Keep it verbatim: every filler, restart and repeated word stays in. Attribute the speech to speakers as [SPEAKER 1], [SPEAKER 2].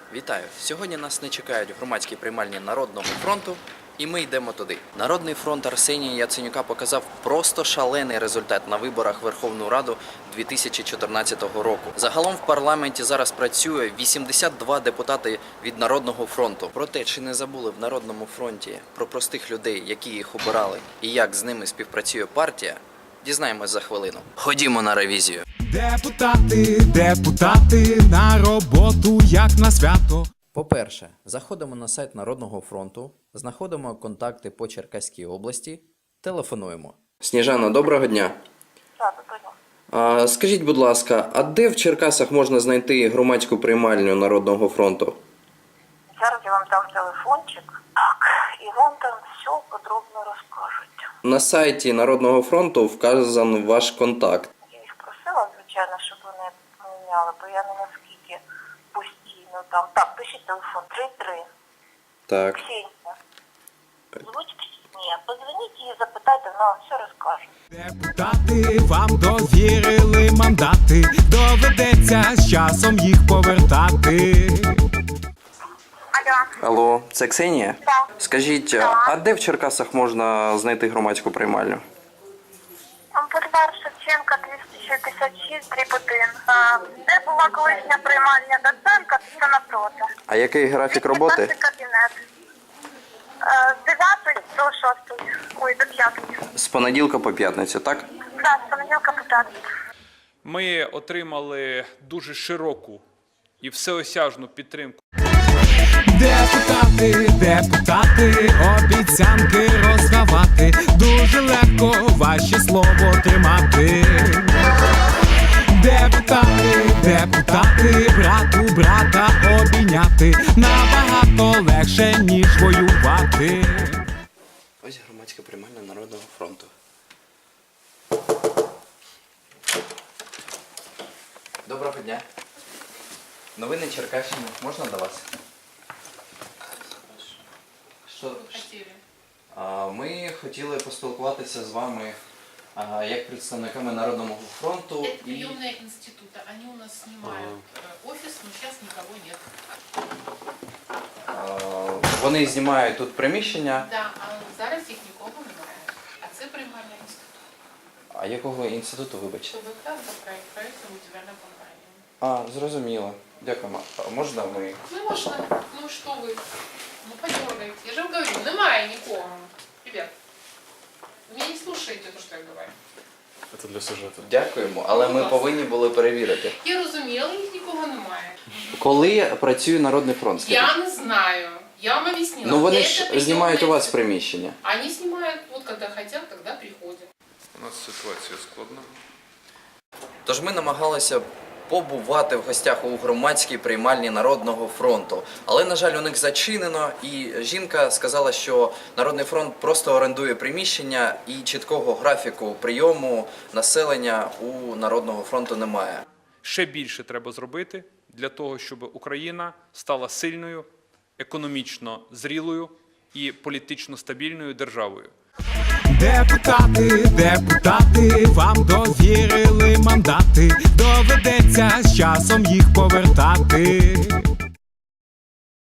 [SPEAKER 1] Вітаю! Сьогодні нас не чекають громадські приймальні Народного фронту, і ми йдемо туди. Народний фронт Арсенія Яценюка показав просто шалений результат на виборах в Верховну Раду дві тисячі чотирнадцятого року. Загалом в парламенті зараз працює вісімдесят два депутати від Народного фронту. Про те, чи не забули в Народному фронті про простих людей, які їх обирали, і як з ними співпрацює партія, дізнаємось за хвилину. Ходімо на ревізію.
[SPEAKER 2] Депутати, депутати, на роботу, як на свято.
[SPEAKER 1] По-перше, заходимо на сайт Народного фронту, знаходимо контакти по Черкаській області, телефонуємо. Сніжана, доброго дня.
[SPEAKER 3] Так, доброго.
[SPEAKER 1] А, скажіть, будь ласка, а де в Черкасах можна знайти громадську приймальню Народного фронту?
[SPEAKER 3] Зараз я вам дам телефончик, так, і вам там все подробно розкажуть.
[SPEAKER 1] На сайті Народного фронту вказан ваш контакт.
[SPEAKER 3] Я їх просила, звичайно, щоб вони поміняли, бо я не наскільки постійно там. Так, пишіть телефон три три.
[SPEAKER 1] Так.
[SPEAKER 3] Ксенія. Звучить? Ні, подзвоніть і запитайте, вона вам все розкаже.
[SPEAKER 2] Депутати, вам довірили мандати, доведеться з часом їх повертати.
[SPEAKER 3] Алло.
[SPEAKER 1] Алло, це Ксенія?
[SPEAKER 3] Так.
[SPEAKER 1] Скажіть,
[SPEAKER 3] Так.
[SPEAKER 1] а де в Черкасах можна знайти громадську приймальню?
[SPEAKER 3] Бульвар Шевченка, двісті шістдесят шість, дріб один. А, де була колишня приймальня Доценка, це напроти.
[SPEAKER 1] А який графік роботи?
[SPEAKER 3] двісті п'ятнадцятий кабінет. Е, З дев'ятої до шостої, ой, до п'ятої.
[SPEAKER 1] З понеділка по п'ятницю, так?
[SPEAKER 3] Так, з понеділка по п'ятницю.
[SPEAKER 4] Ми отримали дуже широку і всеосяжну підтримку.
[SPEAKER 2] Депутати, депутати, обіцянки роздавати, дуже легко ваше слово тримати. Депутати, депутати, брат у брата обійняти, набагато легше, ніж воювати.
[SPEAKER 1] Ось громадська приймальня Народного фронту. Доброго дня. Новини Черкащини. Можна до вас? Що? А, Ми хотіли поспілкуватися з вами а, як представниками Народного фронту.
[SPEAKER 5] Это
[SPEAKER 1] І
[SPEAKER 5] приемные института. Они у нас снимают э, офис, но сейчас никого нет.
[SPEAKER 1] а, вони знімають тут приміщення.
[SPEAKER 5] Да, а зараз їх нікого немає. А це приймальний інститут.
[SPEAKER 1] А якого інституту, вибачте?
[SPEAKER 5] ТВК за проект, проектна будівельна компанія.
[SPEAKER 1] А, зрозуміло. Дякуємо. А можна ми?
[SPEAKER 5] Ну можна. Ну що ви? Ну подергайте. Я же вам говорю, немає нікого. Ребят, ви мене не слушаєте, то, що я говорю.
[SPEAKER 4] Це для сюжету.
[SPEAKER 1] Дякуємо, але ми повинні були перевірити.
[SPEAKER 5] Я розумію, але їх нікого немає.
[SPEAKER 1] Коли працює Народний фронт? скажіть?
[SPEAKER 5] Я не знаю. Я вам объяснила.
[SPEAKER 1] Ну вони
[SPEAKER 5] Это
[SPEAKER 1] ж
[SPEAKER 5] приемный
[SPEAKER 1] знімають у вас
[SPEAKER 5] институт.
[SPEAKER 1] приміщення.
[SPEAKER 5] Они снимают, вот когда хотят, тогда приходят.
[SPEAKER 4] У нас ситуація складна.
[SPEAKER 1] Тож ми намагалися побувати в гостях у громадській приймальні Народного фронту. Але, на жаль, у них зачинено, і жінка сказала, що Народний фронт просто орендує приміщення і чіткого графіку прийому населення у Народного фронту немає.
[SPEAKER 4] Ще більше треба зробити для того, щоб Україна стала сильною, економічно зрілою і політично стабільною державою.
[SPEAKER 2] Депутати, депутати, вам довірили мандати, доведеться з часом їх повертати.